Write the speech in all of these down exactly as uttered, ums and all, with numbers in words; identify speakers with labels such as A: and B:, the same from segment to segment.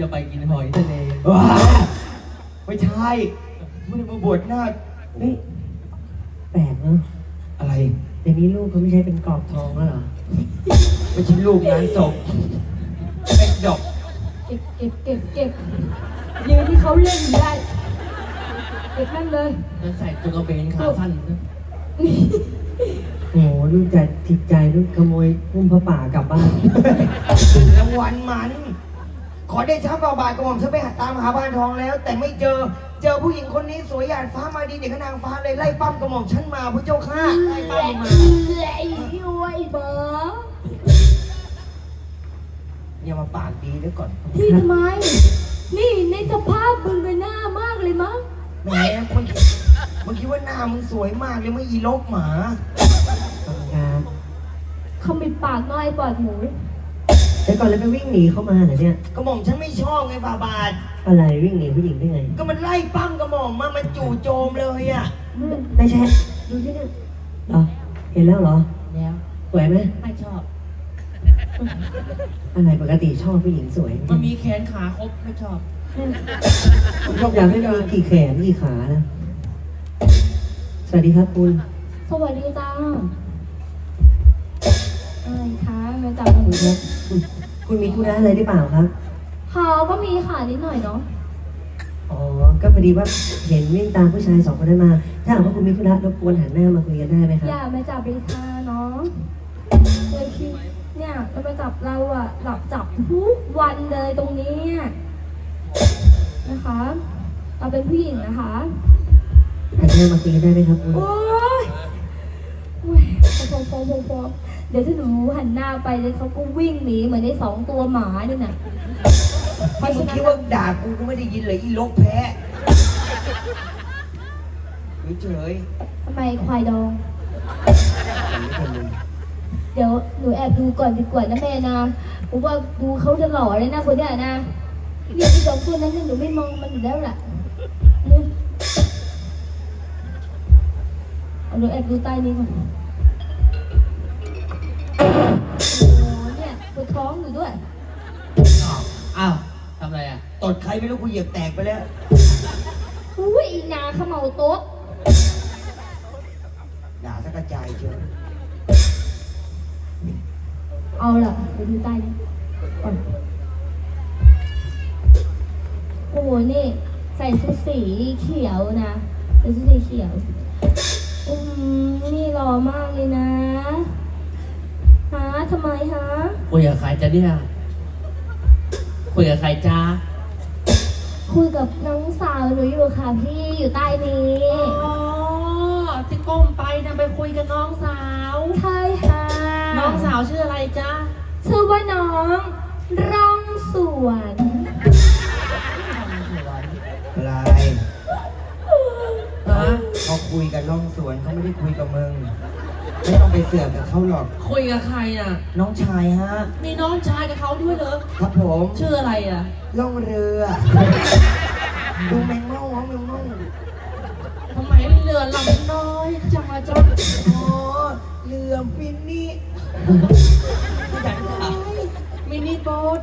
A: จะไปกินหอยทะเล
B: ว้าไม่ใช่ไม่ได้มาบวชหน้า
C: เฮ้ยแปลกเนาะ
B: อะไร
C: เดี๋ยวนี้ลูกเขาไม่ใช่เป็นกรอบทองแล้วเหรอ
B: ไม่ใช่ลูกงานศพเป็นดอก
D: เก็บเก็บเก็บเก็บยืนที่เขาเล่นอยู่ได้เก็บนั่นเลย
A: แล้วใส่ตัวกระเบนขาสั้นนะ
C: โอ้โหลูกจะจิตใจลูกขโมยพุ่มพระป่ากลับบ้าน
B: รางวัลมัน ขอได้ช้าฝ่าบาทกระหม่อมฉันไปหาตามหาบ้านทองแล้ว แต่ไม่เจอ เจอผู้หญิงคนนี้สวยหยาดฟ้ามาดีเด็กกับนางฟ้าเลยไล่ปั้มกระหม่อมฉันมาพระเจ้าค่ะไล่ปั้มมา
D: ไอ้ย้วยเบอร์
B: อย่ามาปากดีด้วยก่อน
D: ที่ทำไม นี่ในสภาพมึงเป็นหน้ามากเลยมั้ง
B: แหมมันมันคิดว่าหน้ามึงสวยมากเลยไม่ยีลกหมา
C: ทำงาน
D: เขามีปากน้อยปอดหมู
C: แล้วก่อนแล้วไปวิ่งหนีเข้ามาเหรอเนี่ย
B: กระหม่อมฉันไม่ชอบไงฝ่าบาท
C: อะไรวิ่งหนีผู้หญิงได้ไง
B: ก็มันไล่ปั้มกระหม่อมมามันจู่โจมเลยอ่ะ
C: ไม่ใช่ดูที่เนี่ยเหรอ เห็นแล้วเหรอ
A: แล้ว
C: สวยไหม
A: ไม่ชอบ
C: อะไรปกติชอบผู้หญิงสวย
A: มันมีแขนขาครบไม่ชอบ
C: อยากให้มีกี่แขนกี่ขานะ สวัสดีครับคุณ
D: สวัสดีจ้าอะไรคะมาจากหมู
C: คุณครับคุณคุณมีธุระอะไรหรือเปล่าครับ
D: เขาก็มีค่ะนิดหน่อยเนาะ
C: อ๋อ ก็พอดีว่าเห็นวิ่งตามผู้ชายสองคนนั้นมา ถ้าหากว่าคุณมีธุระรบกวนหันหน้ามาคุยกันได้ไหมครับ
D: อย่ามาจับริชาเนาะเลยคิดเนี่ยเรามาจับเราอะหลับจับทุกวันเลยตรงนี้นะคะ เราเป็นผู้หญิงนะคะ
C: หันหน้ามาคุยกันได้ไหมครับคุณ
D: โอ๊ยโอ๊ยพอพอพอพอเดี๋ยวถ้าหนูหันหน้าไปเลยเขาก็วิ่งหนีเหมือนในสองตัวหมาเนี่ยน่ะเพราะ
B: มึ
D: ฉะ
B: ง
D: นั้
B: คิด
D: น
B: ว่าด่ากูกูไม่ได้ยินเลยอีลกแพ้เฉย
D: ทำไมควายดอง
B: ๆ
D: เดี๋ยวหนูแอบดูก่อนดีกว่านะแม่นะผมว่าดูเขาจะหล่อเลยนะคนเนี้ยนะเนี่ยที่สองคนนั้นเนี่ยหนูไม่มองมันอยู่แล้วล่ะนี่เอาหนูแอบดูใต้นี้ก่อนโอ้เนี่ยปวดท้องอยู่ด้วย
A: อ้าวทำอะไรอ่ะ
B: ตดใครไม่รู้กูเหยียบแตกไปแล้ว
D: อุ้ยอีนาเขมเมาโต๊ะ
B: ด่าสักกระจายเชียว
D: เอาล่ะไปดูใต้นี้ก่อนโอ้โหนี่ใส่ชุดสีเขียวนะใส่ชุดสีเขียวอืมนี่หล่อมากเลยนะฮะทำไมฮะ
A: คุยกับใครจะเนี่ยคุยกับใครจ้า
D: คุยกับน้องสาวหนูอยู่ค่ะพี่อยู่ใต้นี้
A: อ๋อที่ก้มไปนะไปคุยกับน้องสาว
D: ใช่ค่ะ
A: น้องสาวชื่ออะไรจ้า
D: ชื่อว่าน้องร่องสวน
B: อะไร
A: ฮะ
B: เขาคุยกับน้องสวนเขาไม่ได้คุยกับมึง ไม่ต้องไปเสือกกับเขาหรอก
A: คุยกับใครอ่ะ
B: น้องชายฮะ
A: มีน้องชายกับเขาด้วยเหรอ
B: ครับผม
A: ชื่ออะไรอ่ะ
B: ล่องเรือ ดูแมงเม่าเหรอแมงเม่า
A: ทำไมเรือลำน้อยจังอะจ๊ะ
B: อ๋อเรือฟินนี่
A: ยันค่ะมินิโบ๊ท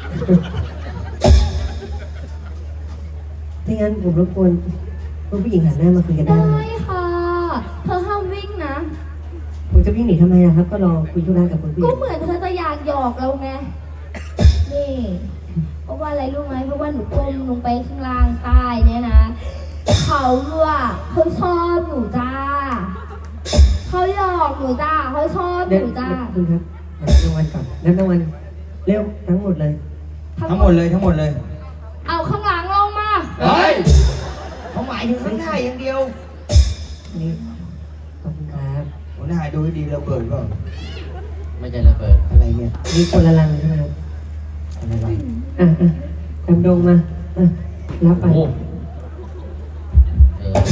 C: ถ้างั้นผมรบกวนคุณผู้หญิงหันหน้ามาคุยกันได้
D: ได้
C: ไหม
D: ค่ะเธอห้ามวิ่งนะ
C: ผมจะวิ่งหนีทำไมอะครับ ก็รอคุยธุระกับคุณผู้ห
D: ก็
C: ญิง
D: เหมือนเธอจะอยากหยอกเราไงนี่ เพราะว่าอะไรรู้ไหมเพราะว่าหนูก้มลงไปข้างล่างใต้เนี่ยนะเขาอะเขาชอบหนูจ้าเขาหยอกหนูจ้าเขาชอบห
C: เดี๋ยว
D: นูจ้า
C: คุณครับรับรางวัลก่อนรับรางวัลเร็วทั้งหมดเลย
B: ทั้งหมดเลยทั้งหมดเลย
D: เอาข้างหลังลงมา
B: เฮ้ยเขาหมายถึงข้างหน้าอย่างเดียว
C: นี่ขอบคุณครับ
B: หัวหน้าดูให้ดีเราเปิดก่อน
A: ไม่ใช่ระเบิด
B: อะไรเนี่ย
C: มีคนละลังใช่ไหมครับ
B: อะไรวะ
C: อ่ะอ่ะดำดงมาอ่ะรับไป
A: โอ้เออ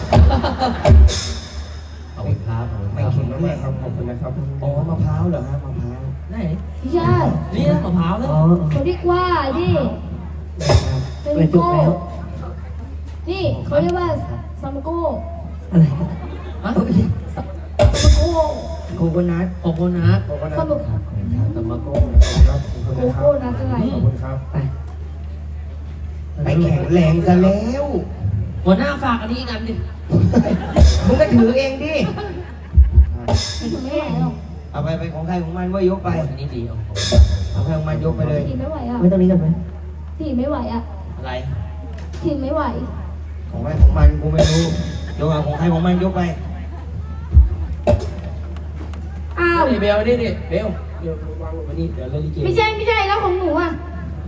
A: ขอบคุณครับขอบคุณค
B: ไม่
A: รับ
B: เข็งมากครับขอบคุณนะครับอ๋อมะพร้าวเหรอฮะมะพร้าว
A: ไหน
D: พี่ชาย
A: นี่นะมะพร้าวนะ
C: อ๋อ
D: เขาเรียกว่านี่
C: ครับ
D: เป็น
C: กระจุก
D: โก้
C: แล้ว
D: นี่เขาเรียกว่าซัมโก้
C: อะไร
A: ฮะ
D: ซัมโก้
B: โคโคนัท
A: โกโกนัท
B: โคโคนัท
D: ซัมโก้
B: ครับขอบคุณครับ
A: ตะมะโก้
B: ครับขอบคุณ
D: โก
B: นะครับ
D: โก้นะอะไร
B: ขอบคุณครับ
C: ไป
B: แข็งแรงซะแล้ว
A: หัวหน้าฝากอันนี้อีกอันดิ
B: มึงก็ถือเองดิ
D: ถือไม่ไหวหรอก
B: เอาไปไปของใครของมันว่ายกไป
A: อันนี้ดีเอา
B: เอาใครของมันยกไปเลย
D: ถีบไม่ไหวอ่ะ
C: ไม่ต้องนี้กันไหม
D: ถีบไม่ไหวอ่ะ
A: อะไร
D: ถีบไม่ไหว
B: ของใครของมันกูไม่รู้ยกเอาของใครของมันยกไป
D: อ้าว
A: นี่เบลนี่นี่เบลเบลวางลงมานี่เดี๋ยวเล่นลิเก
D: ไม่ใช่ไม่ใช่แล้วของหนูอ่ะ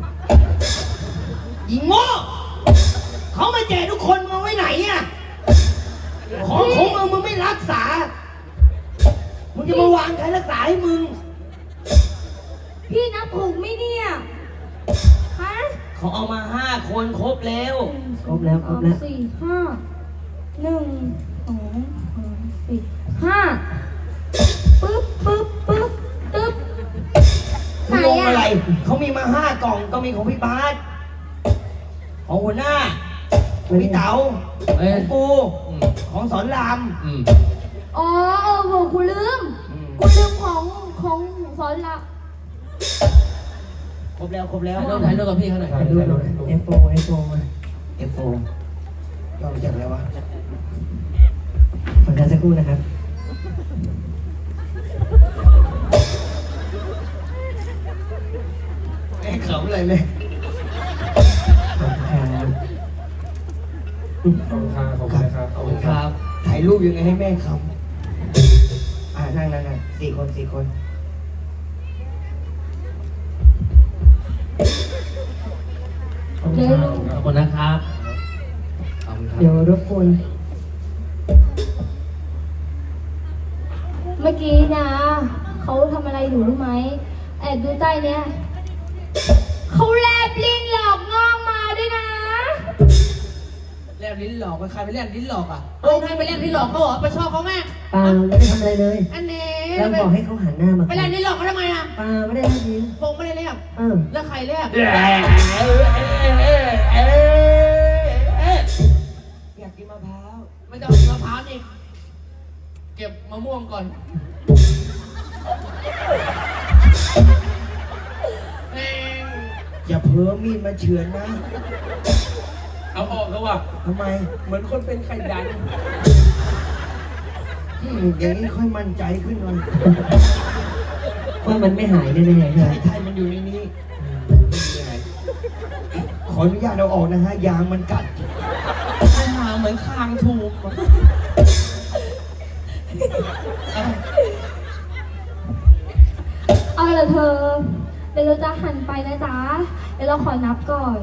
B: อีโง่เขามาแจกทุกคนมาไว้ไหนอะของของมึงมึงไม่รักษา มึงจะมาวางใครรักษาให้มึง
D: พี่นับถูกไหมเนี่ยฮะ
A: เขาเอามาห้าคนครบแล้ว
C: ครบแล้วครบแล้ว
D: สองสี่ห้าหนึ่งสองสามสี่ห้าปึ๊บปึ๊บปึ๊บปึ๊บไหน
B: มึงงง
D: อะ
B: อะไร เขามีมาห้ากล่องก็มีของพี่บาสของหัวหน้าของพี่เต๋า
A: เอ้ย
B: ของกู
A: อืม
B: ของสอนราม
A: อืม
D: อ๋อเออโหกูลืม
B: อืม
D: กูลืมของของสอนละ
B: ครบแล้วครบแล้ว
A: ถ่ายรูปถ่ายรูปกับพี่เขาหน่อย
C: ถ่ายรูปหน่อย เอฟ โฟร์ เอฟ โฟร์ มา
B: เอฟโฟย่อมาจากอะไรวะ
C: ขอการสักครู่นะครับ
B: ไอ้ขำอะไรเลย
C: ขอบคุณครับ
A: ขอบคุณครับขอบคุณครับ
B: ถ่ายรูปยังไงให้แม่ขำอ่านั่งนั่งนั่งสี่คนสี่คน
C: ขอบคุ
D: เดี๋
C: ณ
D: ยว
C: ครั
D: ลุ
C: บ
D: ง
A: ขอบคุณนะครับขอบคุณครับ
C: เดี๋ยวรบกวน
D: เมื่อกี้นะเขาทำอะไรอยู่รู้ไหมแอบดูใต้เนี้ยเขาแลบลิ้นหลอกงอกมาด้วยนะ
A: แลบลิ้นหลอกไปใครไปแลบลิ้นหลอกอ่ะเอ้ยใครไปแลบลิ้นหลอกเขาเหรอไปชอบเขาแม่
C: เปล่าไม่ได้ทำอะไรเลย
A: อันนี้
C: แล้วบอกให้เขาหันหน้ามา
A: ไปแลบลิ้นหลอกเขาทำไมอ่ะ
C: เปล่าไม่ได้ทำจริง
A: พงไม่ได้แลบ
C: เออ
A: แล้วใครแลบ
B: อยากกินมะพร้าว
A: ไม่ต้องเอามะพร้าวนี่เก็บมะม่วงก่อนแม่ง
B: อย่าเพ้อมีดมาเฉือนนะ
A: เอาออกเขาว่ะ
B: ทำไม
A: เหมือนคนเป็นไข่ดัน
B: อืมอย่างนี้ค่อยมั่นใจขึ้นหน่อย
C: ว่ามันไม่หายแน่ๆใช่ไหม
B: ใช่ใช่มันอยู่ในนี้ขออนุญาตเอาออกนะฮะ ยางมันกัด
A: ไข่หาเหมือนคางทูมอะเอา
D: เอาละเธอ เดี๋ยวเราจะหันไปนะจ๊ะ เดี๋ยวเราขอนับก่อน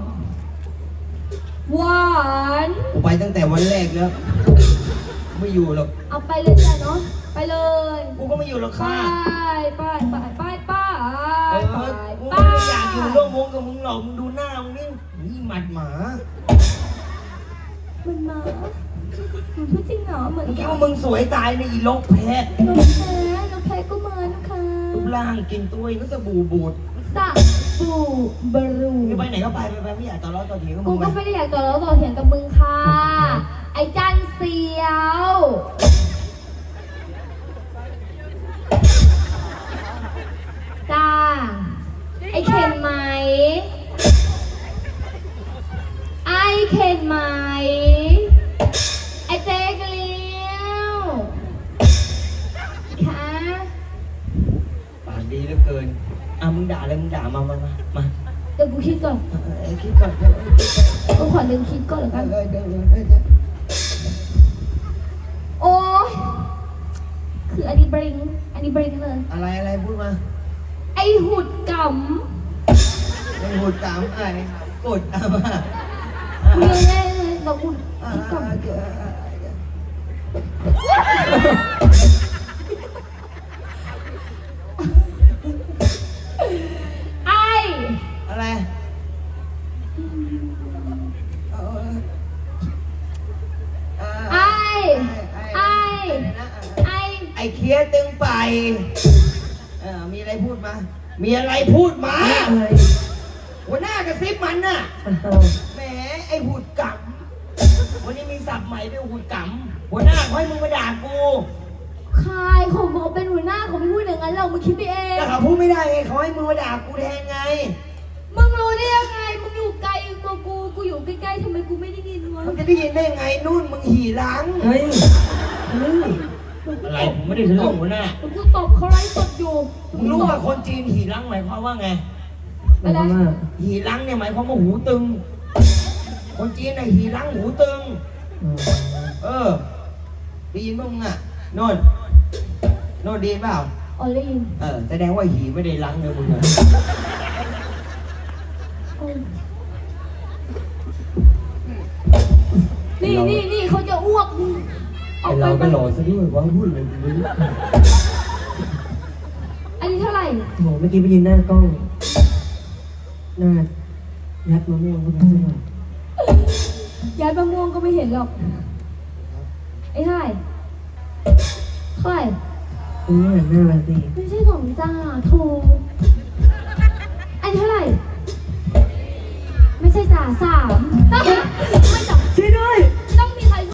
D: วัน
B: กูไปตั้งแต่วันแรกแล้ว ไม่อยู่หรอก
D: เอาไปเลยจ้ะเนาะ ไปเลย
B: กูก็ไม่อยู่หรอก
D: ไป
B: ค่ะ
D: ไปไปไปไป
B: เอ
D: ไป
B: อกู
D: ไป
B: ไม่ได้อยากอยู่ร่วมวงกับมึงหรอก มึงดูหน้ามึงนี่นี่หมัดหมา
D: มันมามันพูดจริงเหรอเหมือน
B: มึงคิด
D: กัน
B: ว่ามึงสวยตายในอีโลกแพ้
D: น้องแพ้น้องแพ้ก็มานะคะ
B: รูปร่างกินตัวเองก็สบู่บูด
D: สะบูบรู
B: มึงไปไหนก็ไปไปไปไม่อยากต่อร้อต่อเถียงกับ
D: กู
B: มึงไป
D: ก็ไม่ได้อยากต่อแล้วต่อเถียงกับมึงค่ะ ไอ้จันเสียว จ้า ไอ้เข็นไหม ไอ้เข็นไหม ไอ้เจ๊กเลี้ยวค่ะ
B: ปากดีเหลือเกินอ่ะมึงด่าอะไรมึงด่ามามามามา
D: เดี๋ยวกูคิดก่อน
B: เออเออคิดก่อนเดี๋ยวเออคิดก่อน
D: กูขอดึงคิดก่อนแล้ว
B: เอ
D: กัน
B: อเดี๋ยวเดี๋ยวเดี๋ยวเดี๋ยว
D: โอ้ยคืออันนี้บริง อันนี้บริงเลย
B: อะไรอะไรพูดมา
D: ไอ้หุดก
B: ไม่พูดตามไอ้กดตามมา
D: ำกูยังไงเลยเรากู
B: อ่า
D: คิดก่อน
B: เดี๋ยวเดี๋ยว
D: ไอ้
B: อะไรเอาเอา
D: ไอ้
B: ไอ้
D: ไอ้
B: ไอ้
D: ไอ้
B: ไอ้เคียตึงไปเออมีอะไรพูดมา มีอะไรพูดมา
C: อะไร
B: หัวหน้ากระซิบมันน่ะ
C: อ้าว
B: แหมไอ้หูดกำวันนี้มีศัพท์ใหม่ด้วยหูดกำหัวหน้าเขาให้มึงมาด่ากู
D: ใครเขาบอกเป็นหัวหน้าเขาไม่พูดอย่างนั้นเรามึงคิดไปเอง
B: แต่เขาพูดไม่ได้ไงเขาให้มึงมาด่ากูแทนไง
D: มึงรู้ได้ยังไง มึงอยู่ไกลกว่ากู กูอยู่ใก
B: ได้ยินได้ไงนู่นมึงหี่หลัง
C: เฮ้ยเฮ้ย
E: อะไรผมไม่ได้ทะลึ่งหัวหน้า
D: ผมก็ตบเขาไล่ตบอยู่
B: มึงรู้ว่าคนจีนหี่หลังหมายความว่าไง
C: หมายความว่า
B: หี่หลังเนี่ยหมายความว่าหูตึง คนจีนน่ะหี่หลังหูตึง
C: อ๋อ
B: เออได้ยินบ้างมึงอ่ะโน่นโน่นดีเปล่า
D: ออลลี่
B: เออแสดงว่าหี่ไม่ได้หลังเลยมึงอะ
D: นี่นี่นี่เขาจะอ้วกอ
E: ไอ
D: อกไป
E: เรา
D: ไป
E: ก็หล่อซะด้วยว่าพูดเลยทีนี้
D: อันนี้เท่าไหร่
C: โหเมื่อกี้ไปยืนหน้ากล้อง หน้ายัดมะม่วงเข้าไปซะหน่อย
D: ย้ายมะม่วงก็ไม่เห็นหรอกไอ้เท่าไหร่เท่าไหร่
C: ตรงนี้หันหน้ามาสิ
D: ไม่ใช่สองจ้าถูกอันนี้เท่าไหร่ ไม่ใช่จ่าสาม